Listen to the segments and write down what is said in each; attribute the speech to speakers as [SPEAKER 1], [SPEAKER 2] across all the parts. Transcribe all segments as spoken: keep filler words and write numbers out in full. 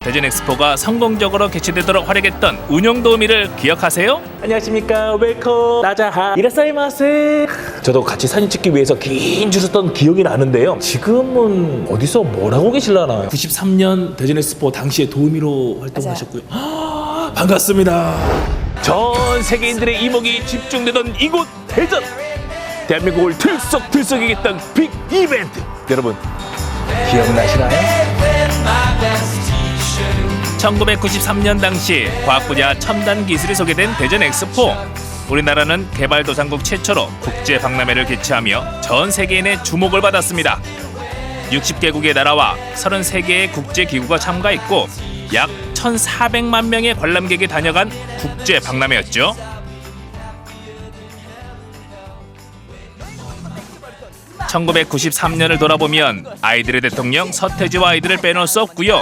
[SPEAKER 1] 대전 엑스포가 성공적으로 개최되도록 활약했던 운영 도우미를 기억하세요?
[SPEAKER 2] 안녕하십니까. 웰컴 나자하 이라사이마세. 저도 같이 사진 찍기 위해서 긴 줄을 섰던 기억이 나는데요. 지금은 어디서 뭘 하고 계실라나요? 구십삼 년 대전 엑스포 당시에 도우미로 활동하셨고요. 아, 반갑습니다. 전 세계인들의 이목이 집중되던 이곳 대전. 대한민국을 들썩들썩이게 했던 빅 이벤트. 여러분 기억나시나요?
[SPEAKER 1] 천구백구십삼 년 당시 과학 분야 첨단 기술이 소개된 대전 엑스포. 우리나라는 개발도상국 최초로 국제 박람회를 개최하며 전 세계인의 주목을 받았습니다. 육십 개국의 나라와 서른세 개의 국제기구가 참가했고 약 천사백만 명의 관람객이 다녀간 국제 박람회였죠. 천구백구십삼 년을 돌아보면 아이들의 대통령 서태지와 아이들을 빼놓을 수 없고요.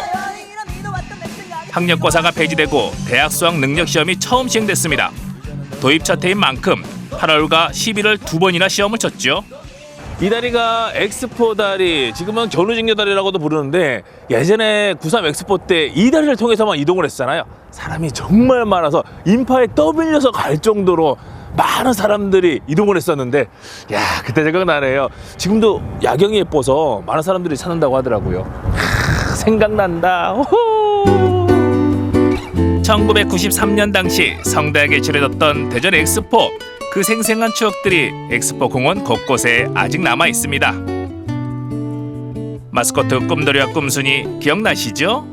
[SPEAKER 1] 학력고사가 폐지되고 대학 수학 능력 시험이 처음 시행됐습니다. 도입 첫 해인 만큼 팔월과 십일월 두 번이나 시험을 쳤죠.
[SPEAKER 2] 이 다리가 엑스포 다리, 지금은 견우직녀 다리라고도 부르는데 예전에 구십삼 엑스포 때 이 다리를 통해서만 이동을 했잖아요. 사람이 정말 많아서 인파에 떠밀려서 갈 정도로 많은 사람들이 이동을 했었는데, 야, 그때 생각나네요. 지금도 야경이 예뻐서 많은 사람들이 찾는다고 하더라고요. 하, 생각난다. 호호.
[SPEAKER 1] 천구백구십삼 년 당시 성대하게 치러졌던 대전 엑스포. 그 생생한 추억들이 엑스포 공원 곳곳에 아직 남아 있습니다. 마스코트 꿈돌이와 꿈순이 기억나시죠?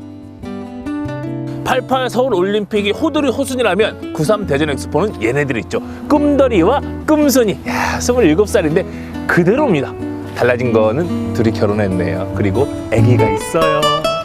[SPEAKER 2] 팔십팔 서울 올림픽이 호돌이 호순이라면 구십삼 대전 엑스포는 얘네들 있죠. 꿈돌이와 꿈순이. 야, 스물일곱 살인데 그대로입니다. 달라진 거는 둘이 결혼했네요. 그리고 아기가 있어요.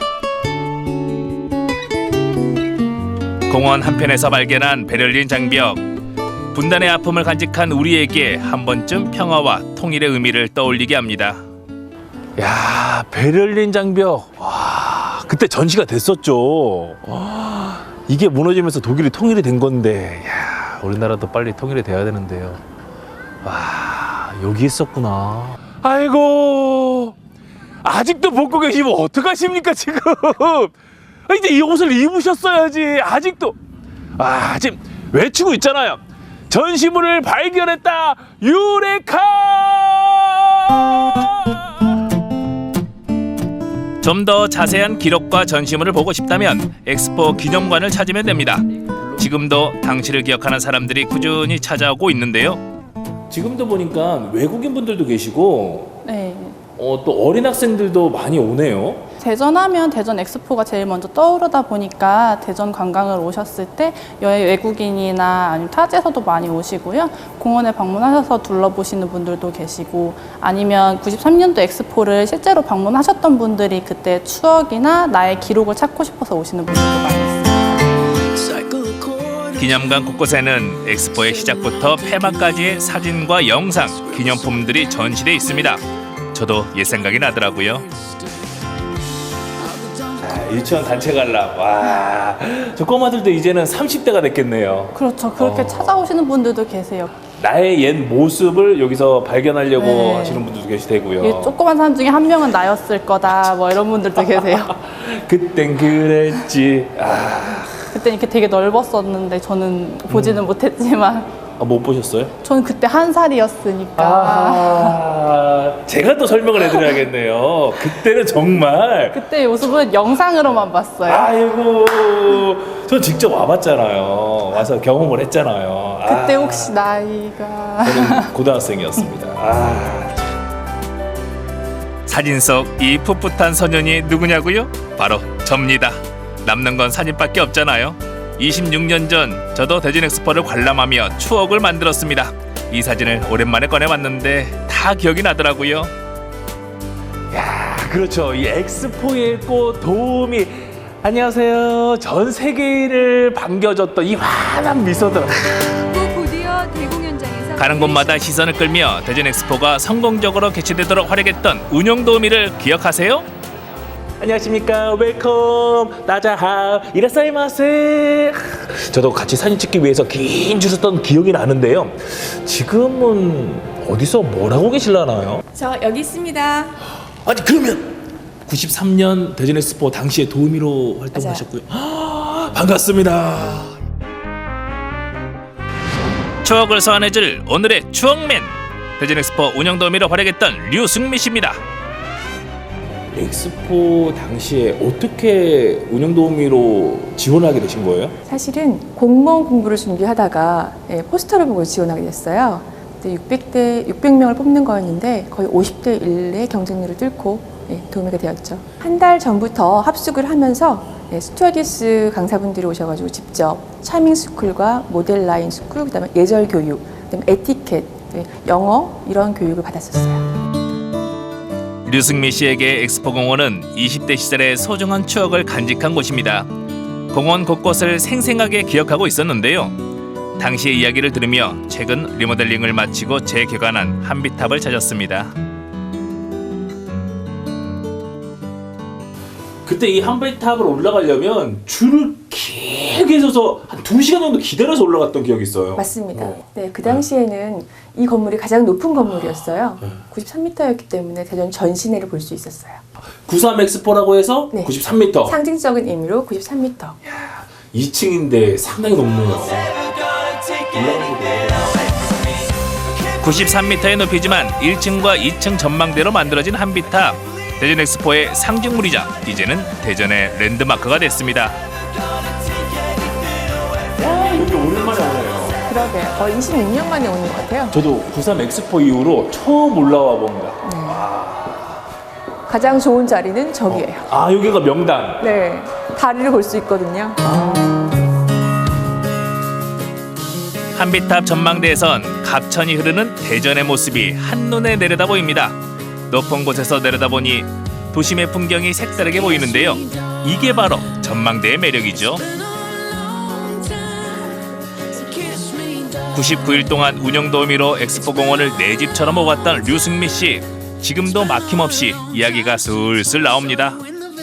[SPEAKER 1] 공원 한편에서 발견한 베를린 장벽. 분단의 아픔을 간직한 우리에게 한 번쯤 평화와 통일의 의미를 떠올리게 합니다.
[SPEAKER 2] 야, 베를린 장벽. 와, 그때 전시가 됐었죠. 와, 이게 무너지면서 독일이 통일이 된 건데, 야, 우리나라도 빨리 통일이 돼야 되는데요. 와, 여기 있었구나. 아이고, 아직도 벗고 계시면 어떡하십니까 지금? 아, 이제 이 옷을 입으셨어야지. 아직도. 아, 지금 외치고 있잖아요. 전시물을 발견했다. 유레카!
[SPEAKER 1] 좀 더 자세한 기록과 전시물을 보고 싶다면 엑스포 기념관을 찾으면 됩니다. 지금도 당시를 기억하는 사람들이 꾸준히 찾아오고 있는데요.
[SPEAKER 2] 지금도 보니까 외국인 분들도 계시고,
[SPEAKER 3] 네.
[SPEAKER 2] 어, 또 어린 학생들도 많이 오네요.
[SPEAKER 3] 대전하면 대전 엑스포가 제일 먼저 떠오르다 보니까 대전 관광을 오셨을 때 여행 외국인이나 아니면 타지에서도 많이 오시고요. 공원에 방문하셔서 둘러보시는 분들도 계시고, 아니면 구십삼 년도 엑스포를 실제로 방문하셨던 분들이 그때 추억이나 나의 기록을 찾고 싶어서 오시는 분들도 많이 있습니다.
[SPEAKER 1] 기념관 곳곳에는 엑스포의 시작부터 폐막까지의 사진과 영상, 기념품들이 전시돼 있습니다. 저도 옛 생각이 나더라고요.
[SPEAKER 2] 유치원 단체 관람. 와, 저 꼬마들도 이제는 삼십 대가 됐겠네요.
[SPEAKER 3] 그렇죠. 그렇게
[SPEAKER 2] 어.
[SPEAKER 3] 찾아오시는 분들도 계세요.
[SPEAKER 2] 나의 옛 모습을 여기서 발견하려고
[SPEAKER 3] 네.
[SPEAKER 2] 하시는 분들도 계시되고요.
[SPEAKER 3] 이 조그만 사람 중에 한 명은 나였을 거다, 뭐 이런 분들도 계세요.
[SPEAKER 2] 그땐 그랬지. 아,
[SPEAKER 3] 그때 이렇게 되게 넓었었는데 저는 보지는
[SPEAKER 2] 음.
[SPEAKER 3] 못했지만
[SPEAKER 2] 아, 못 보셨어요?
[SPEAKER 3] 저는 그때 한 살이었으니까.
[SPEAKER 2] 아, 제가 또 설명을 해드려야겠네요. 그때는 정말.
[SPEAKER 3] 그때 모습은 영상으로만 봤어요.
[SPEAKER 2] 아이고, 저 직접 와봤잖아요. 와서 경험을 했잖아요.
[SPEAKER 3] 그때
[SPEAKER 2] 아,
[SPEAKER 3] 혹시 나이가
[SPEAKER 2] 저는 고등학생이었습니다. 아.
[SPEAKER 1] 사진 속 이 풋풋한 소년이 누구냐고요? 바로 접니다. 남는 건 사진밖에 없잖아요. 이십육 년 전 저도 대전 엑스포를 관람하며 추억을 만들었습니다. 이 사진을 오랜만에 꺼내봤는데 다 기억이 나더라고요.
[SPEAKER 2] 야, 그렇죠. 이 엑스포의 꽃 도우미. 안녕하세요. 전 세계를 반겨줬던 이 환한 미소들.
[SPEAKER 4] 곧이어 대공연장에서
[SPEAKER 1] 가는 곳마다 시선을 끌며 대전 엑스포가 성공적으로 개최되도록 활약했던 운영 도우미를 기억하세요?
[SPEAKER 2] 안녕하십니까. 웰컴 나자하 이라사이마세. 저도 같이 사진 찍기 위해서 긴 줄을 섰던 기억이 나는데요. 지금은 어디서 뭘 하고 계실라나요?
[SPEAKER 4] 저 여기 있습니다.
[SPEAKER 2] 아니, 그러면 구십삼 년 대전 엑스포 당시에 도우미로 활동하셨고요. 아, 반갑습니다.
[SPEAKER 1] 추억을 소환해줄 오늘의 추억맨. 대전 엑스포 운영 도우미로 활약했던 류승미 씨입니다.
[SPEAKER 2] 엑스포 당시에 어떻게 운영 도우미로 지원하게 되신 거예요?
[SPEAKER 5] 사실은 공무원 공부를 준비하다가 예, 포스터를 보고 지원하게 됐어요. 그때 육백 대 육백 명을 뽑는 거였는데 거의 오십 대 일의 경쟁률을 뚫고 예, 도우미가 되었죠. 한 달 전부터 합숙을 하면서 예, 스튜어디스 강사분들이 오셔가지고 직접 차밍 스쿨과 모델 라인 스쿨, 그다음에 예절 교육, 그다음에 에티켓, 예, 영어 이런 교육을 받았었어요.
[SPEAKER 1] 류승미 씨에게 엑스포 공원은 이십 대 시절의 소중한 추억을 간직한 곳입니다. 공원 곳곳을 생생하게 기억하고 있었는데요. 당시의 이야기를 들으며 최근 리모델링을 마치고 재개관한 한비탑을 찾았습니다.
[SPEAKER 2] 그때 이 한비탑을 올라가려면 줄을 길게 서서 한 두 시간 정도 기다려서 올라갔던 기억이 있어요.
[SPEAKER 5] 맞습니다.
[SPEAKER 2] 어.
[SPEAKER 5] 네, 그 당시에는 이 건물이 가장 높은 건물이었어요. 구십삼 미터였기 때문에 대전 전 시내를 볼 수 있었어요.
[SPEAKER 2] 구십삼 엑스포라고 해서
[SPEAKER 5] 네.
[SPEAKER 2] 구십삼 미터.
[SPEAKER 5] 상징적인 의미로 구십삼 미터.
[SPEAKER 2] 이 층인데 상당히 높네요.
[SPEAKER 1] 구십삼 미터의 높이지만 일 층과 이 층 전망대로 만들어진 한비탑. 대전 엑스포의 상징물이자 이제는 대전의 랜드마크가 됐습니다.
[SPEAKER 2] 여기 오랜만에 오네요.
[SPEAKER 5] 그러게 거의 이십육 년 만에 오는 것 같아요.
[SPEAKER 2] 저도 구십삼 엑스포 이후로 처음 올라와 봅니다.
[SPEAKER 5] 가장 좋은 자리는 저기예요.
[SPEAKER 2] 아, 여기가 명당.
[SPEAKER 5] 네, 다리를 볼 수 있거든요.
[SPEAKER 1] 한비탑 전망대에선 갑천이 흐르는 대전의 모습이 한눈에 내려다 보입니다. 높은 곳에서 내려다보니 도심의 풍경이 색다르게 보이는데요. 이게 바로 전망대의 매력이죠. 구십구 일 동안 운영 도우미로 엑스포 공원을 내 집처럼 먹었던 류승미 씨. 지금도 막힘없이 이야기가 술술 나옵니다.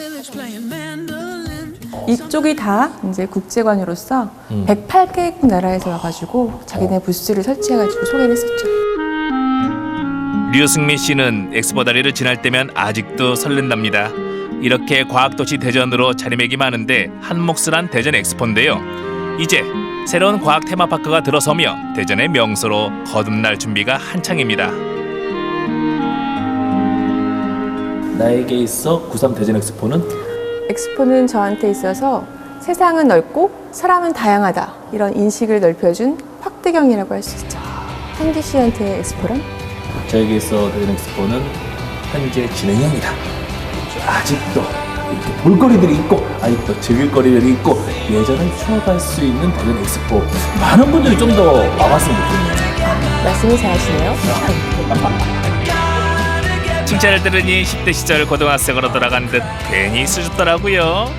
[SPEAKER 5] 이쪽이 다 이제 국제관으로서
[SPEAKER 2] 음.
[SPEAKER 5] 백팔 개국 나라에서 와가지고 자기네 부스를 설치해가지고 소개를 했었죠.
[SPEAKER 1] 류승미 씨는 엑스포 다리를 지날 때면 아직도 설렌답니다. 이렇게 과학도시 대전으로 자리매김 하는데 한몫을 대전 엑스포인데요. 이제 새로운 과학 테마파크가 들어서며 대전의 명소로 거듭날 준비가 한창입니다.
[SPEAKER 2] 나에게 있어 구십삼 대전 엑스포는
[SPEAKER 5] 엑스포는 저한테 있어서 세상은 넓고 사람은 다양하다 이런 인식을 넓혀준 확대경이라고 할 수 있죠. 한기 씨한테 엑스포란?
[SPEAKER 2] 저에게 있어 대전 엑스포는 현재 진행형이다. 아직도 이렇게 볼거리들이 있고 아직도 즐길 거리들이 있고 예전을 추억할 수 있는 대전 엑스포 많은 분들이 좀 더 와봤으면 좋겠네요.
[SPEAKER 5] 말씀이 잘하시네요.
[SPEAKER 1] 칭찬을 들으니 십 대 시절 고등학생으로 돌아간 듯 괜히 수줍더라고요.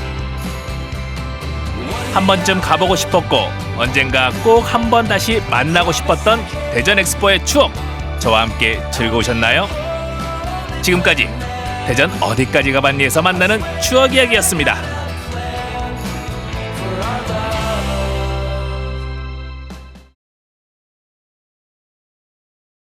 [SPEAKER 1] 한 번쯤 가보고 싶었고 언젠가 꼭 한 번 다시 만나고 싶었던 대전 엑스포의 추억, 저와 함께 즐거우셨나요? 지금까지 대전 어디까지 가봤니에서 만나는 추억 이야기였습니다.